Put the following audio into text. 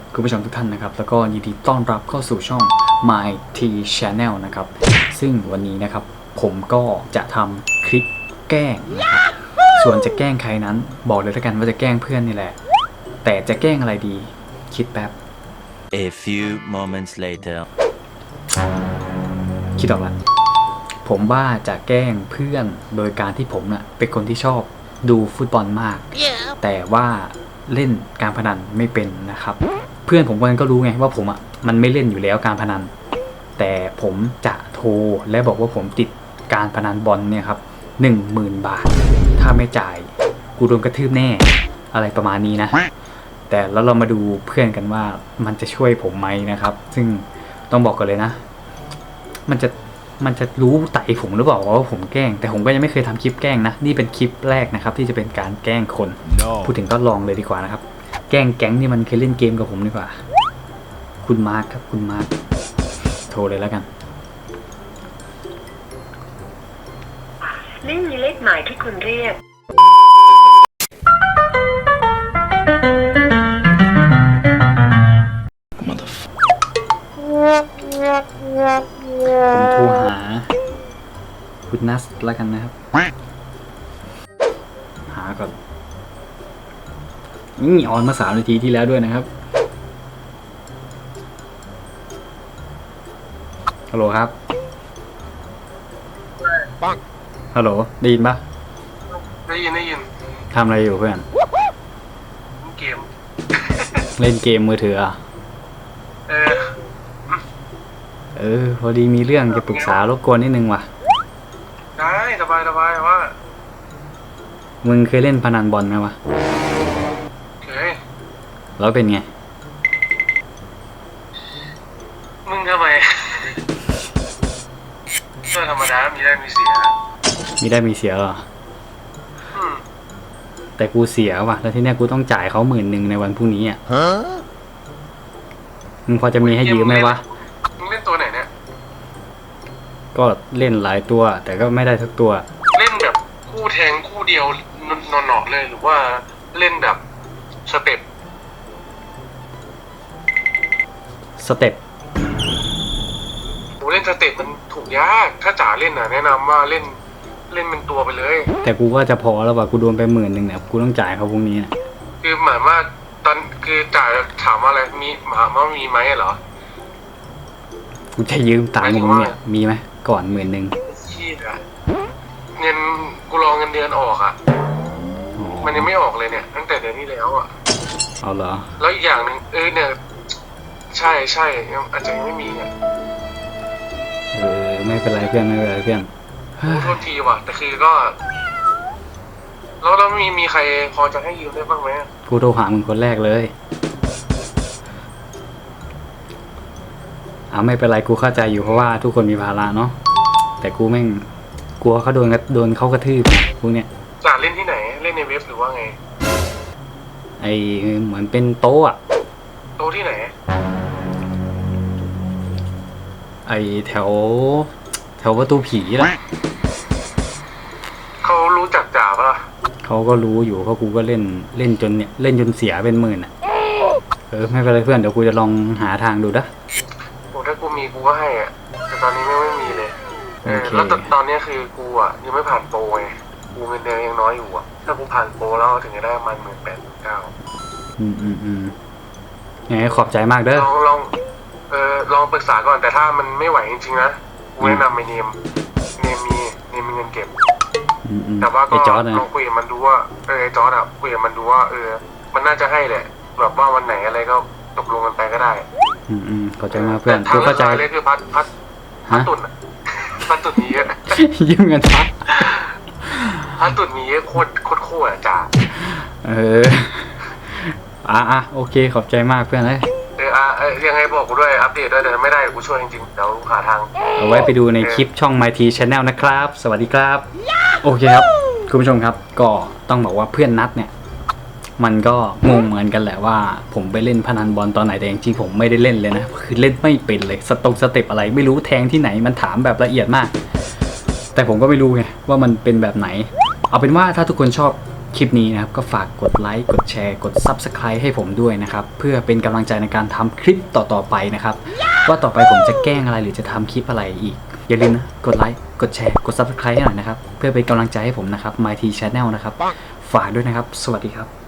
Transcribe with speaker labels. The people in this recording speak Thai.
Speaker 1: คุณผู้ชมทุกท่านนะครับแล้วก็ยินดีต้อนรับเข้าสู่ช่อง My T Channel นะครับซึ่งวันนี้นะครับผมก็จะทำคลิปแกล้งนะครับส่วนจะแกล้งใครนั้นบอกเลยแล้วกันว่าจะแกล้งเพื่อนนี่แหละแต่จะแกล้งอะไรดีคิดแป๊บ
Speaker 2: A few moments later
Speaker 1: คิดออกแล้วผมว่าจะแกล้งเพื่อนโดยการที่ผมน่ะเป็นคนที่ชอบดูฟุตบอลมาก แต่ว่าเล่นการพนันไม่เป็นนะครับเพื่อนผมคนนั้นก็รู้ไงว่าผมอ่ะมันไม่เล่นอยู่แล้วการพนันแต่ผมจะโทรและบอกว่าผมติดการพนันบอลเนี่ยครับ10,000 บาทถ้าไม่จ่ายกูโดนกระทืบแน่อะไรประมาณนี้นะแต่แล้วเรามาดูเพื่อนกันว่ามันจะช่วยผมไหมนะครับซึ่งต้องบอกกันเลยนะมันจะรู้ไต่ผมหรือเปล่าว่าผมแกล้งแต่ผมก็ยังไม่เคยทำคลิปแกล้งนะนี่เป็นคลิปแรกนะครับที่จะเป็นการแกล้งคน พูดถึงก็ลองเลยดีกว่านะครับแกล้งแก๊งที่มันเคยเล่นเกมกับผมดีกว่าคุณมาร์คครับคุณมาร์คโทรเลยแล้วกัน
Speaker 3: ไม่มีเลขหมายที่คุณเรียก
Speaker 1: ผมโทรหาคุณนัสแล้วกันนะครับหาก่อนนี่ออนมา3 นาทีที่แล้วด้วยนะครับฮัลโหลครับฮัลโหลได้ยินปะ
Speaker 4: ได้ยิน
Speaker 1: ทำอะไรอยู่เพื่อน
Speaker 4: เกม
Speaker 1: เล่นเกมมือถืออ่ะพอดีมีเรื่องจะปรึกษารบกวนนิดนึงว่ะ
Speaker 4: ได้สบายว่า
Speaker 1: มึงเคยเล่นพนันบอลไหมวะ
Speaker 4: เคย
Speaker 1: แล้วเป็นไง
Speaker 4: มึงทำไมก็ธรรมดามีได้มีเสีย
Speaker 1: มีเสียเหรอแต่กูเสียว่ะแล้วที่เนี้ยกูต้องจ่ายเขา10,000ในวันพรุ่งนี้อ่ะมึงพอจะมีให้ยืมไหมวะ
Speaker 4: มึงเล่นตัวไหนเนี่ย
Speaker 1: ก็เล่นหลายตัวแต่ก็ไม่ได้ทุกตัว
Speaker 4: เล่นแบบคู่แทงคู่เดียวนอนๆเลยหรือว่าเล่นแบบสเต็ปกูเล่นสเต็ปมันถูกยากถ้าจ๋าเล่นน่ะแนะนำว่าเล่นเป็นตัวไปเลย
Speaker 1: แต่กูว่าจะพอแล้วว่ะกูโดนไป10,000เนี่ยกูต้องจ่ายเขาพรุ่งนี้นะ
Speaker 4: คือหมายว่าตอนคือจ่ายถามว่าอะไรถามว่ามีไหมเหรอ
Speaker 1: กูจะยืมตังค์มึงเนี่ยมีไหมก่อน10,000
Speaker 4: ชี้อะเงินกูรอเงินเดือนออกอ่ะมันยังไม่ออกเลยเนี่ยตั้งแต่เดือนที่แล้วอ่ะ
Speaker 1: เอาเหรอ
Speaker 4: แล้วอีกอย่างหนึ่งเนี่ยใช่ยังอาจจะยังไม่มีเนี่ย
Speaker 1: ไม่เป็นไรเพื่อนไม่เป็นไรเพื่อน
Speaker 4: โทษทีว่ะแต่คือก็แล้วมีใครพอจะให้ยืมได้บ้างไหม
Speaker 1: กูโทรหามึงคนแรกเลยไม่เป็นไรกูเข้าใจอยู่เพราะว่าทุกคนมีภาระเนาะแต่กูแม่งกลัวเขาโดนเขากระทืบพวกเนี้ย
Speaker 4: จ่าเล่นที่ไหนเล่นในเว็บหรือว่าไง
Speaker 1: เหมือนเป็นโต๊ะ
Speaker 4: โต๊ะที่ไหน
Speaker 1: แถวประตูผีล่ะ
Speaker 4: เขารู้จักจ่าปะล่ะ
Speaker 1: เขาก็รู้อยู่เพราะกูก็เล่นจนเสียเป็น10,000อ่ะไม่เป็นไรเพื่อนเดี๋ยวกูจะลองหาทางดูนะ
Speaker 4: ถ้ากูมีกูก็ให้อ่ะแต่ตอนนี้ไม่มีเลยแล้วตอนนี้คือกูอ่ะยังไม่ผ่านโปรไงกูเงินเดือนยังน้อยอยู่อ่ะถ้ากูผ่านโปรแล้วถึงจะได้มัน
Speaker 1: 18,000-19,000ยังไงขอบใจมากเด้อ
Speaker 4: ลองปรึกษาก่อนแต่ถ้ามันไม่ไหวจริงๆนะกูแนะนำไปเนมมีเงินเก็บแต่ว่าก็ลองคุยกับมันดูว่าไอ้จอร์ดอะคุยกับมันดูว่ามันน่าจะให้แหละแบบว่าวันไหนอะไรก็ตกลงกันไปก็ได้
Speaker 1: เข้าใจมากเพื่อนกูเข้าใจ
Speaker 4: เลยคือพัดตุ่นพัดตุ่นนี้เยอะ
Speaker 1: ยืมเงิน
Speaker 4: พัดตุ่นนี้เยอะโคตรจ้า
Speaker 1: โอเคขอบใจมากเพื่อนเลย
Speaker 4: ยังไงบอกกูด้วยอัปเดตด้วยแต่ไม่ได้กูช่วยจริงๆเดี๋ยวหาทาง
Speaker 1: เอาไว้ไปดูในคลิปช่อง My T Channel นะครับสวัสดีครับโอเคครับคุณผู้ชมครับก็ต้องบอกว่าเพื่อนนัดเนี่ยมันก็งงเหมือนกันแหละว่าผมไปเล่นพนันบอลตอนไหนแต่จริงๆผมไม่ได้เล่นเลยนะคือเล่นไม่เป็นเลยสเต็ปอะไรไม่รู้แทงที่ไหนมันถามแบบละเอียดมากแต่ผมก็ไม่รู้ไงว่ามันเป็นแบบไหนเอาเป็นว่าถ้าทุกคนชอบคลิปนี้นะครับก็ฝากกดไลค์กดแชร์กด Subscribe ให้ผมด้วยนะครับเพื่อเป็นกำลังใจในการทำคลิปต่อๆไปนะครับว่าต่อไปผมจะแกล้งอะไรหรือจะทำคลิปอะไรอีกอย่าลืมนะกดไลค์กดแชร์กด Subscribe ให้หน่อยนะครับเพื่อเป็นกำลังใจให้ผมนะครับ MyT Channel นะครับฝากด้วยนะครับสวัสดีครับ